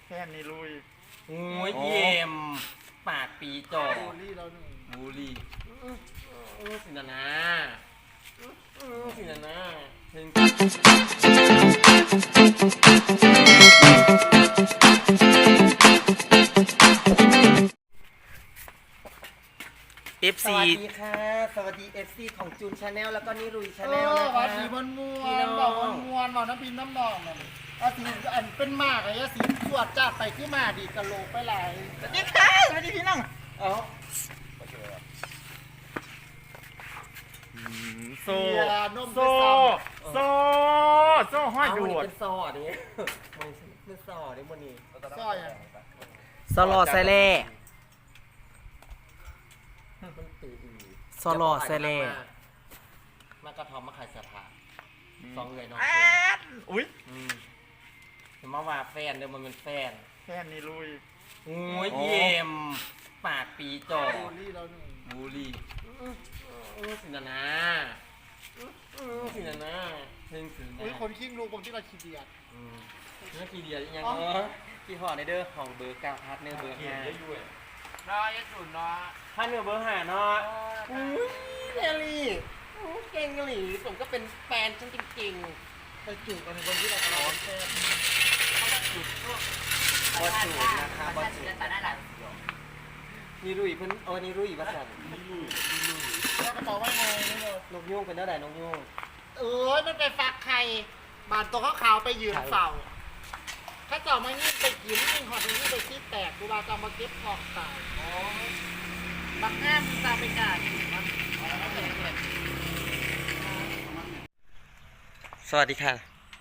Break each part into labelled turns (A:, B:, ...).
A: แค่นี้ลุย
B: โอ้ยเยี่ยมปากปีจ่อ
A: บูลลี่เราหนึ่ง
B: บูรีสินานาสินานาสวัสดีค่ะสวัสดี FC ของจูนชาแนลแล้วก็นิรุยชาแนลนะคะ
A: ว่าสีมันมวนบอกมันมวนบอกน้ำพินน้ำดองนั่นว่าสีอันเป็นมากเลยสีสวดจ้าไปขึ้นมาดีกะโหลกไปหลายสวัสดีค่ะสวัสดีพี่น้องโซ่ห้อยดูด
B: เป็นซอดิมันเป็นซอดิมันนี่
A: ซอยอ่ะ
C: ซอลอไซเล่ซอลอไซเล่
B: มากระทอมมาขายเสื้อผ้าสองเลยน้อง
A: อุ้ย
B: เห็นมาว่าแฟนเดี๋ยวมันเป็นแฟน
A: นี่ลุย
B: โอ้ยเยี่ยมปากปีจ่อ
A: บูลลี่เราหนึ่ง
B: บูรีสินานาสินานาเพ่งสินา
A: อุ้ยคนขิ้งลูกผมที่เราขี้เดียด
B: เนื้อขี้เดียดยังที่ห่อในเด้อของเบอร์9พาร์ทเนอร์เบอร์5
A: น้อยสุดน้อย
B: พาร์ทเนอร์เบอร์5เนาะอุ้ยเนลลี่เก่งหลีผมก็เป็นแฟนฉันจริงๆ
A: ไปจูบกันในคนที่เราร้อนแค่
B: บอจูนะคะบอจูนี่รุ่ยเพิ่นนี่รุ่ยภาษา
A: แล้วกระเป๋าไว้ไงนี่เลย
B: นกยุ่งเป็นเท่าไหร่นกยุ่ง
A: มันไปฟักไข่บานตัวขาวไปยืนเฝ้าถ้าเจ้ามานี่ไปกินนี่หอดนี่ไปขี้แตกดูเราจะมาเก็บของตายบักแง่มตาไปกาดมัน
C: สวัสดีค่ะ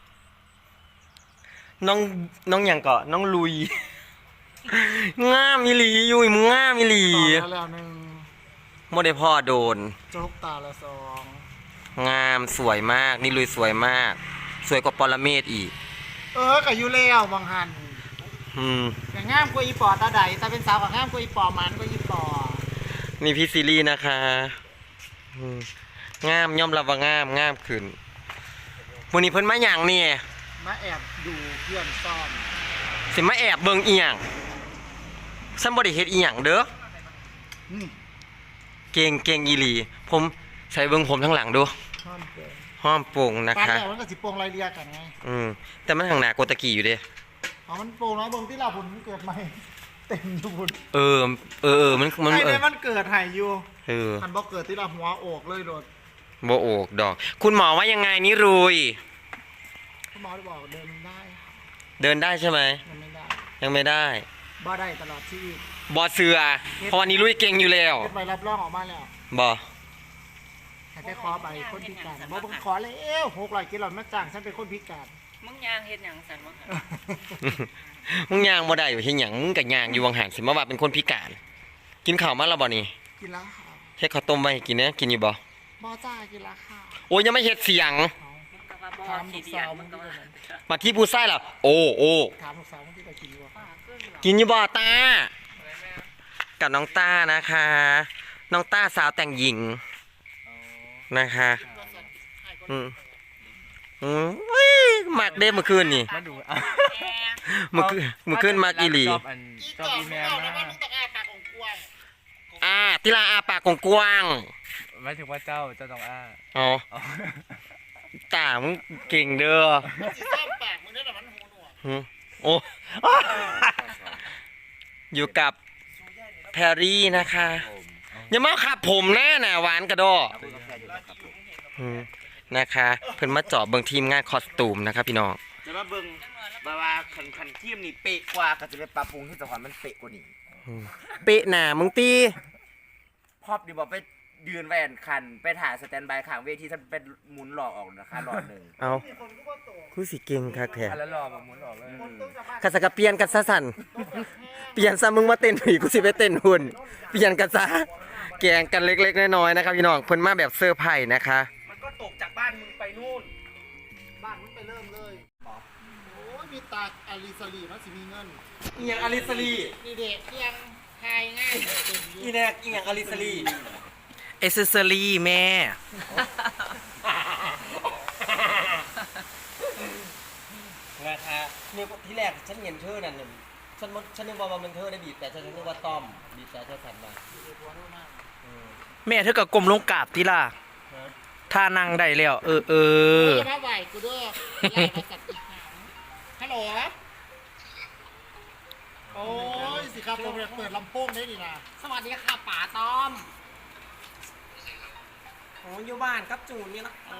C: น้องอย่างเกาะน้องลุยง่ามมิลีอยู่มึงง่ามมิลี
A: แล้วหนึ่ง
C: โมเดลพ่อโดน
A: โจ๊กตาละสอง
C: งามสวยมากนี่ลุยสวยมากสวยกว่าปรเมศอีก
A: กับยูเลี้ยวบางหันแต่งามกว่าอีปอตาใดตาเป็นสาวกับงามกว่าอีปอมันกว่าอีปอ
C: นี่พี่ซีรีส์นะคะงามย่อมรับว่างามขึ้นวันนี้เพิ่นมาอย่างนี่
A: มาแอบดูเพื่อนซ่อม
C: สิมาแอบเบิ่งอีหยังฉันบ่ได้เฮ็ดอีหยังเด้อเก่งอีหลีผมใส่เบิ่งผมทั้งหลังดูห้อมโป่งนะคะ
A: ปานแล้วมันก็สิโป่งรายเรียกันไง
C: แต่มันข้างหน้าโกตะกี้อยู่เด้
A: มันโป่งน้อยเบิ่งที่เราผลเกิดใหม่เต็มอยู่บุญ
C: มัน
A: ไอ้มันเกิดหายอยู่มันบ่เกิดที่เราหัวโอกเลยโดด
C: บ่โอกดอกคุณหมอว่ายังไงนี่รุย
A: คุณหมอบอกเดิน
C: ได้ใช่ไหมยังไม่ได้
A: บ่ได้ตลอดชีวิต
C: บ่เสือเพราะวันนี้ลุยเก่งอยู่แล้ว
A: ไปรับรองออกมาแล้ว
C: บ่
A: ให้ไปขอใบคนพิการบ่ขอเลย600กิโลมาจ้างฉันเป็นคนพิการ
D: มึงยางเฮ็ดหยังสั่นวะ
C: มึงยางบ่ได้อยู่เฮ็ดหยังมึงก็ยางอยู่วังหันสิมาว่าเป็นคนพิการกินข้าวมาแล้วบ่นี่
A: กินแล้วค่ะ
C: เฮ็ดข้าวต้มไว้ให้กินเนี่ยกินอยู่บ่
A: จ้ากินแล้วค่ะ
C: โอ้ยยังไม่เฮ็ดเสียง
A: ถามลูกสาวมันก็
C: มาที่ผู้ชายล่ะโอ้
A: ถามลูกสาวมันที่ไปกินอยู่
C: กินอยู่บ่ตากับน้องต้านะคะน้องต้าสาวแต่งหญิงนะคะมากเด้เมื่อคืนนี่เมื่อคืนมากี่หลีที่ลาอาปากกว้าง
E: ไม่ถึงว่าเจ้าต้องอ้า
C: อ๋อตามึงเก่งเด้อโอ้อยู่กับแพรรี่นะคะอย่ามาขับผมแน่น่ะหวานกระโดดนะคะเพิ่นมาเจาะเบิ่งทีมงานคอสตูมนะครับพี่น้อง
E: จะมาเบิ่งว่าคันทีมนี่เป๊ะกว่าก็จะไปปรับปรุงที่สถานมันเป๊ะกว่านี้
C: เป๊ะหน่ามึงตี
E: พอบดีบอกไปยืนแวนคันไปถ่ายสแตนบายข้างเวทีท่านเป็นหมุนหลอกออกนะคะหลอดหนึ่ง
C: เอาคือสิเก่งคักแท้
E: แล้วหลอกหมุนออกเลย
C: คันสักเปลี่ยนกันซะสั่นเปลี่ยนซะมึงมาเต้นผีกูสิไปเต้นหุ่นเปลี่ยนกันซะแกงกันเล็กๆน้อยๆนะครับพี่น้องเพิ่นมาแบบเซอร์ไพรส์นะคะ
E: มันก็ตกจากบ้านมึงไปนู่น
A: บ้านมึงไปเริ่มเลยโอ้ยมีตาอาริสลีมันสิมีเงิน
C: อีหยังอาริสลี
A: นี่เด็กยังทายง่าย
C: อีแนกอีหยังอาริสลีเอเซอรี่แม่
B: นะคะเนี่ยที่แรกฉันเห็นเธอนั่น
C: ฉันนึกว่ามันเธอได้บีบแต่ฉันนึกว่าต้อมบีบแต่เธอสั่นมา
D: แม่เธอก็กลมลงกราบติล่ะถ้านั่งได้แล้วเออ
A: จะมาไหวกูด้วยไล่มาสักอีกหางฮัลโหลโอ้ยสิครับผมอยากเปิดลำโพงได้ดีนะ
C: สวัสดีค่ะป๋าต้อมโอ้อยู่บ้านครับจูนนี่นะ
D: ฮัลโหล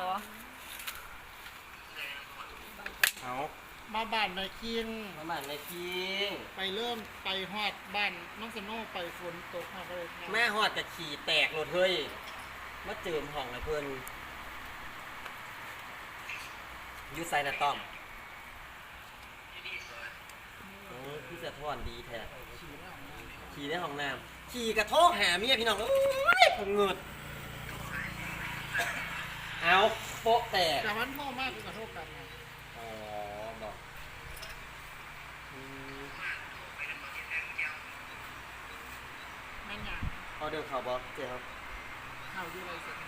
C: เอา
A: มาบ้านในคิง
C: มาบ้านในคิง
A: ไปเริ่มไปฮอดบ้านน้องสโน่ไปฝนตกฮอดเลย
C: แม่หอดกับขี่แตกรถเฮ้ยมาเจิมห้องนะเพื่อนยูไซนะต้อมโอ้ยพี่จะทอนดีแท้ขี่ในห้องน้ำขี่กระโทกหาเมียพี่น้องเอ้ยผมเงิดเอาโป๊ะแตก
A: แต่วันพ่อมากกูขอโทษกันนะ
C: อ๋อบอกอืม
A: แม่นยัง
C: เอาเดินข่าวบอกเจ๊ครับ
A: ข่าวอยู่อะไรเสร็จ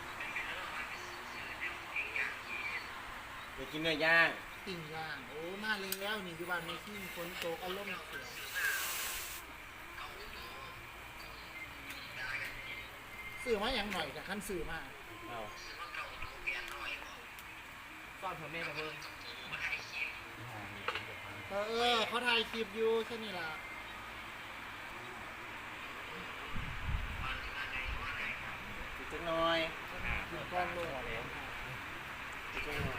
C: เดี๋ยวกินเนื้อย่าง
A: ติ่งย่างโอ้มาแล้วนี่อยู่บ้านในคิงฝนตกอารมณ์เสียสื่อมาอย่างหน่อยแต่ขั้นสื่อมา
C: เอา
D: ซ่อนเผื่อแม่มาเพิ่ม
A: เขาถ่ายคลิปอยู่แค่นี้ล่ะ
C: อีกจักหน่อย
A: กินก้อนโลด
C: อีกจักหน่อย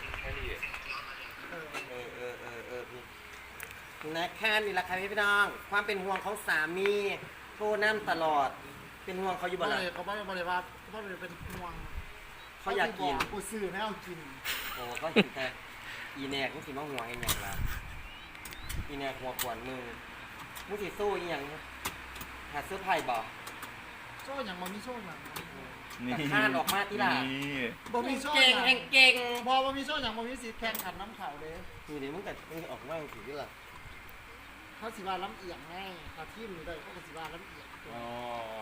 C: พี่นะคะนี่แหละค่ะพี่น้อง ความเป็นห่วงของสามีโทรนั่นตลอด เป็นห่วงเขาอยู่บ่ล่ะ
A: เขาไม่ได้ว่าเขาไม่ได้เป็นห่วง
C: เขาอยากกิน
A: กูซื้อไม่เอากิน
C: โอ้ก็เห็นแต่อีแนกมึงสิมาห่วงอีหยังล่ะอีแนกหัวขวนมึงมึงสิสู้อีหยังหาเสื้อไผ่บ่
A: โซ่อย่างมันมีโซ่อย่าง
C: แต่ข้านออกมาที่ล่ะ
A: บ่มีโซ่
C: เก่ง
A: อย่าง
C: แห่งเก่ง
A: พอบ่มีโซ่อย่างบ่มีสิทธิ์แข่งขันน้ำขาวเลย
C: นี่เดี๋ยวมึงแต่มึงออกมาถึงที่ล่ะ
A: เขาสิว่าล้ำเอียงไงถ้าทีมนี้ได้เขาก็สิว่าล้ำเอียง
C: อ๋อ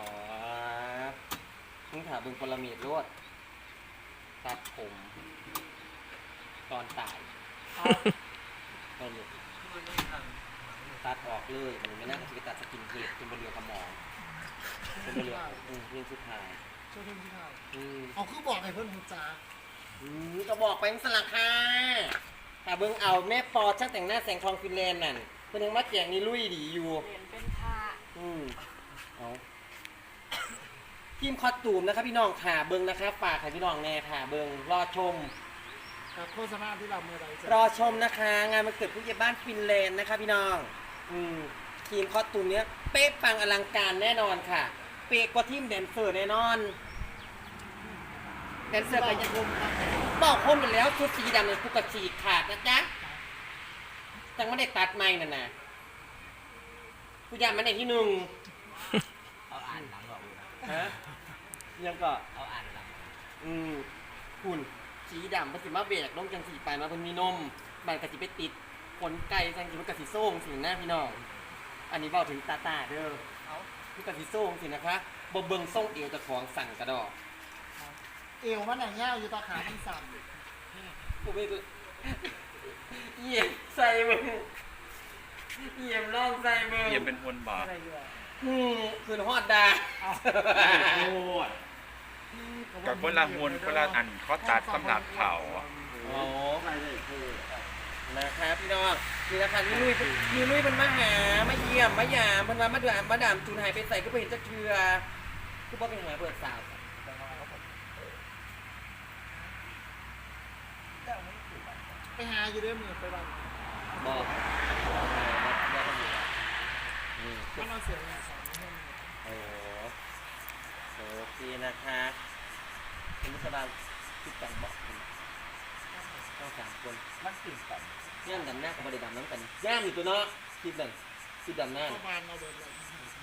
C: มึงถามเบิ่งพลเมียดรวดตัดผม ตอนตาย ไปเลยตัดออกเลยมันไม่น่าจะไปตัดสกินเฮดจนบนเรือกระหมองจนบนเรือเรื่องสุดท้าย
A: โซ่เพิ่มที่เท่า
C: อืม
A: เอาคือบอกให้เพิ่นหูจ้า
C: ก็บอกไปสลักค่ะแต่เบิ่งเอาแม่ปอช่างแต่งหน้าแสงทองฟินแลนด์นั่นเป็นยังมาแจงนี่ลุยดีอยู่
F: เปลี่ยนเป็นผ้า
C: เอาทีมคอสตูมนะครับพี่น้องขาเบิ่งนะครับฝากให้พี่น้องแน่ค่ะเบิ่งรอชม
A: กับโฆษณาที่เราเมื่อใดเสร็จ
C: รอชมนะคะ งานมันเกิดผู้ใหญ่บ้านฟินแลนด์นะคะพี่น้องทีมคอสตูมเนี้ยเป๊ะปังอลังการแน่นอนค่ะ เป๊ะกว่าทีมแดนเซอร์แน่นอนแดนเซอร์ก็ยังบอกคมไปแล้วชุดสีดำเนี่ยกูกระฉีกขาดนะจ๊ะจังไม่ได้ตัดไม้น่ะนะกูอยากมันในที่หนึ่ง
E: เอาอ่านหลังออกเลยนะ
C: ฮะยังก็
E: เอาอ่านหลัง
C: หุ่นสีดำมันสิมาเบรกลงจังสีไปมาเพิ่นมีนมมันกะสิไปติดขนไก่จังสิมันกะสิโซ่งสิหน้าพี่น้อง อันนี้บอกถึงตาตาเด้อมันกะสิโซ่งสินะคะบ่เบิ่งส่งเอวเจะของสั่งกระดอก
A: เอวมันหนังยาวอยู่ตาขามันสั่น
C: กูไม่เหยียบใส่มึงเหยียบล่องใส่มึง
G: เยี่ยมเป็นคนบาป
C: คืนฮอดดา
G: โอ้ยกับคนละมวลคนละอันเขาตัดสำหรับเผา
C: โอ้นะครับพี่น้องนี่นะคะนี่ลุยมันมาหามาเยี่ยมมายามมันมามาดามจูนหายไปใส่ก็ไปเห็นจะเชือคือบอกเป็นหาเปิดสาว
A: ไปหาอยู่เด้อมือไปบ้าน
C: บอกนี่
A: มันเอาเสียงอย่างสองให้มือ
C: โอเคนะคะคุณผู้ชมคิดกันบอกคุณต้องสามคน
E: มันตื่นตัน
C: ย่ามดำหน้ากับบริดำน้ำกันย่ามอยู่ตัวเนาะคิดดำหน้า
A: เข้าบ้านเราเดินเลย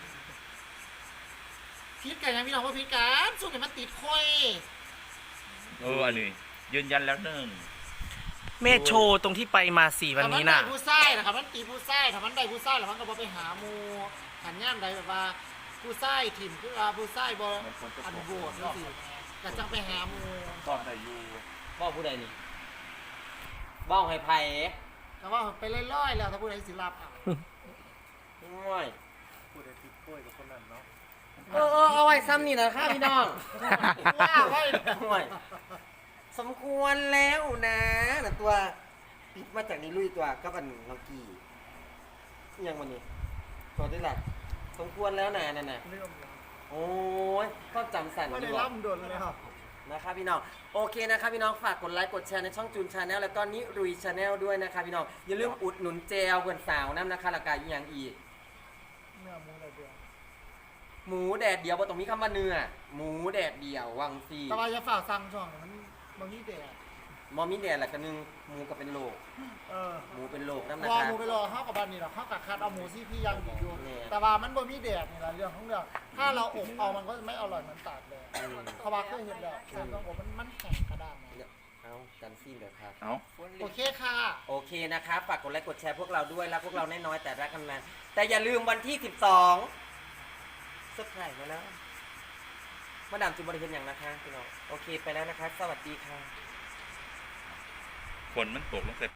A: พิษกันยังพี่น้องว่าพิษกันสู้กันมันติดค่อย
G: อันนี้ยืนยันแล้วหนึ่ง
D: แม่โชว์ตรงที่ไปมา4วันนี้น่ะ
A: ถ้ามัได้ผู้ไส้นะครับมันตีผู้ไส้ถ้ามันได้ผู้ไส้แล้วมันก็บอไปหาหมูหันย่ามใดแบบว่าผู้ไส้ถิ่มคือว่าผู้ไส้บออันโบดนี่สิก็จังไปหาหมู
G: ตอนแต่อยู่
C: บอกผู้ใดนี่บอกให้ไผ่
A: แต่ว่าไปเล่อยๆแล้วถ้าผู้ใดสิรับเอา
C: ห่วย
B: พูดได้ติดกล้วยกับคนนั้นเนาะ
C: เอาไว้ซ้ำนี่นะคะพี่น้อง
A: ว่าไว้
C: ห่วยสมควรแล้วนะแต่ตัวปิดมาจากนี้ลุยตัวกับอันน้องกี้ยังวันนี้ตัวได้ละสมควรแล้วนะนั่นน่ะ
A: เรื่องแล้ว
C: โอ้ยก็จำสั่น
A: ไม่
C: ดี
A: ได้
C: กว่า
A: ล่ำโดนเลยครับ
C: นะครับพี่น้องโอเคนะครับพี่น้องฝากกดไลค์กดแชร์ในช่องจูนชาแนลแล้วก็นิรุยชาแนลด้วยนะครับพี่น้องอย่าลืมอุดหนุนเจลเพื่อนสาวน้ำนะคะราคาอีกอย่างอีก
A: เนื้อหมูอะไรเดียว
C: หมูแดดเดียวบ่ต้องมีคำว่าเนื้อหมูแดดเดียววังซี
A: แต่ว่าอย่าฝากสั่งช่องมันมีแดด
C: มอมีแดดแหละกันนึงหมูก็เป็นโลก
A: เออ
C: หมูเป็นโลกน้ำนะ
A: รอ
C: คะ
A: หมูไปรอเข้ากับบ้านนี่หรอกเข้ากับคัดเอาหมูซี่พี่ยังดีอยู่
C: เนี่ย
A: แต่ว่ามันบ่มีแดดนี่แหละเรื่องของเรื่องถ้าเราอบเอามันก็ไม่อร่อยเหมือนตากแดดเขาว่าเคยเห็นแล้วการต้องอบมันแข็งกระด้างนะ
C: เอาจันซีนเดี๋ยวครับ
E: เอ้า
A: โอเคค่ะ
C: โอเคนะครับฝากกดไลค์กดแชร์พวกเราด้วยรักพวกเราน้อยๆแต่รักกันนานแต่อย่าลืมวันที่ 12เซอร์ไพรส์มาแล้วมาดามจุบริเห็นอย่างนะคะพี่น้องโอเคไปแล้วนะคะ สวัสดีค่ะ
G: ฝนมันตกลงใส่